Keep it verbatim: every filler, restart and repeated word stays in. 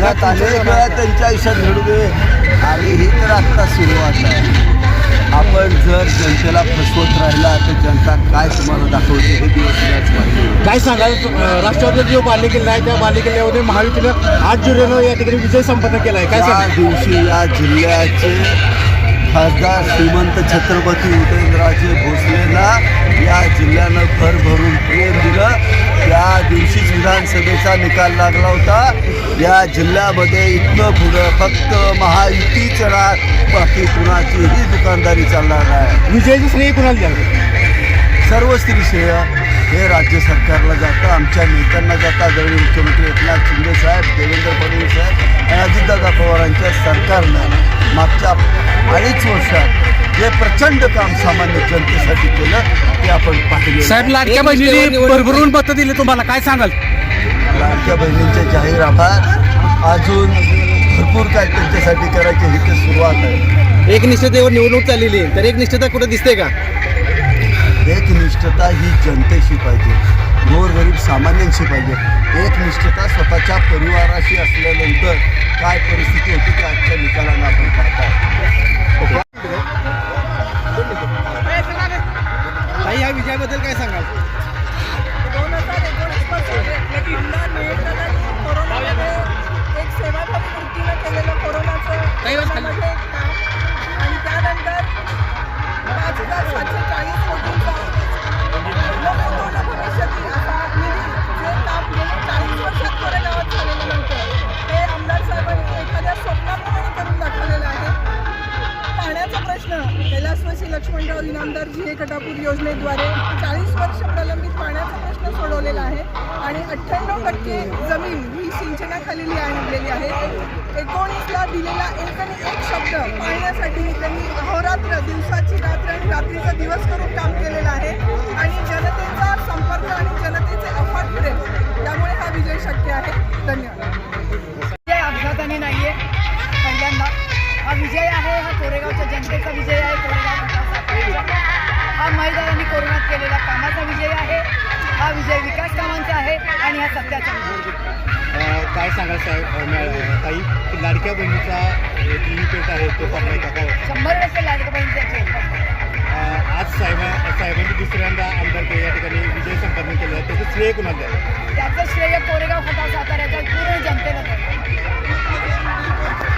आयुष्यात अनेक वेळा त्यांच्या आयुष्यात घडू आणि ही तर आत्ता सुरुवात आहे. आपण जर जनतेला फसवत राहिला तर जनता काय तुम्हाला दाखवते हे दिवस याच पाहिजे. काय सांगाल राष्ट्रवादीचा जो बालेकिल्ला आहे त्या बालेकिल्ल्यामध्ये महायुतीनं आठ जुलैनं या ठिकाणी विजय संपन्न केला आहे. काय त्या सांगाल? दिवशी या जिल्ह्याचे खासदार श्रीमंत छत्रपती उदयनराजे भोसलेला या जिल्ह्यानं भर भरून प्रेम दिलं. त्या दिवशीच विधानसभेचा निकाल लागला होता. या जिल्ह्यामध्ये इथनं पुढं फक्त महायुतीच राहत, बाकी कुणाचीही दुकानदारी चालणार नाही. विजयाचं श्रेय कुणाला द्याल? सर्व स्त्री श्रेय हे राज्य सरकारला जातं, आमच्या नेत्यांना जातं. आदरणीय मुख्यमंत्री एकनाथ शिंदे साहेब, देवेंद्र फडणवीस साहेब आणि अजितदादा पवारांच्या सरकारनं मागच्या अडीच वर्षात जे प्रचंड काम सामान्य जनतेसाठी केलं ते आपण पाहिले. साहेब लाडक्या बहिणीने भरभरून मतं दिली तुम्हाला, काय सांगाल? लाडक्या बहिणींचे जाहीर आभार. अजून भरपूर काय त्यांच्यासाठी करायचे ही तर सुरुवात आहे. एकनिष्ठतेवर निवडणूक चाललेली आहे, तर एकनिष्ठता कुठं दिसते का? एकनिष्ठता ही जनतेशी पाहिजे, गोरगरीब सामान्यांशी पाहिजे. एकनिष्ठता स्वतःच्या परिवाराशी असल्यानंतर काय परिस्थिती होती ते आजच्या निकालानं आपण पाहतो. ताई, या विजयाबद्दल काय सांगाल? दोन हजार एकोणीस पासून पुन्हा मिळताना कोरोनामध्ये एक सेवाभावी वृत्तीनं केलेलं कोरोनाचं कोरोनामध्ये काम आणि त्यानंतर पाच हजार सातशे चाळीस कोटींचा कोरोना भविष्यातील असा निधी जे काम गेल्या चाळीस वर्षात कोरेगावात झालेलं नव्हतं ते आमदार साहेबांनी एखाद्या स्वप्नाप्रमाणे करून दाखवलेलं आहे. पाण्याचा प्रश्न कैलासवासी लक्ष्मणराव इनामदार जी ए कटापूर योजनेद्वारे चाळीस वर्ष प्रलंबित पाण्याचा प्रश्न सोडवलेला आहे आणि अठ्ठ्याण्णव टक्के जमीन ही सिंचनाखाली आणलेली आहे. एकोणीसला दिलेला एक आणि एक शब्द पाळण्यासाठी त्यांनी अहोरात्र दिवसाची रात्र आणि रात्रीचा दिवस करून काम केलेलं आहे आणि जनतेचा संपर्क आणि जनतेचे अफाट प्रेम त्यामुळे हा विजय शक्य आहे. धन्यवाद. विजय अपघाताने नाहीये, पहिल्यांदा हा विजय आहे, हा कोरेगावच्या जनतेचा विजय आहे. कोरेगाव विकासाचा हा महिलांनी कोरोनात केलेला कामाचा विजय आहे. हा विजय विकास कामांचा आहे आणि हा सत्याचा विजय. काय सांगाल साहेब? ताई, लाडक्या बहिणीचा पेट आहे तो पडलाय का? काय शंभर टक्के लाडक्या बहिणीचा आज साहेबा साहेबांनी दुसऱ्यांदा आमदार या ठिकाणी विजय संपन्न केला, त्याचं श्रेय कुणाला द्याल? त्याचं श्रेय कोरेगाव खटा साताऱ्याच्या पूर्ण जनतेला द्यावं.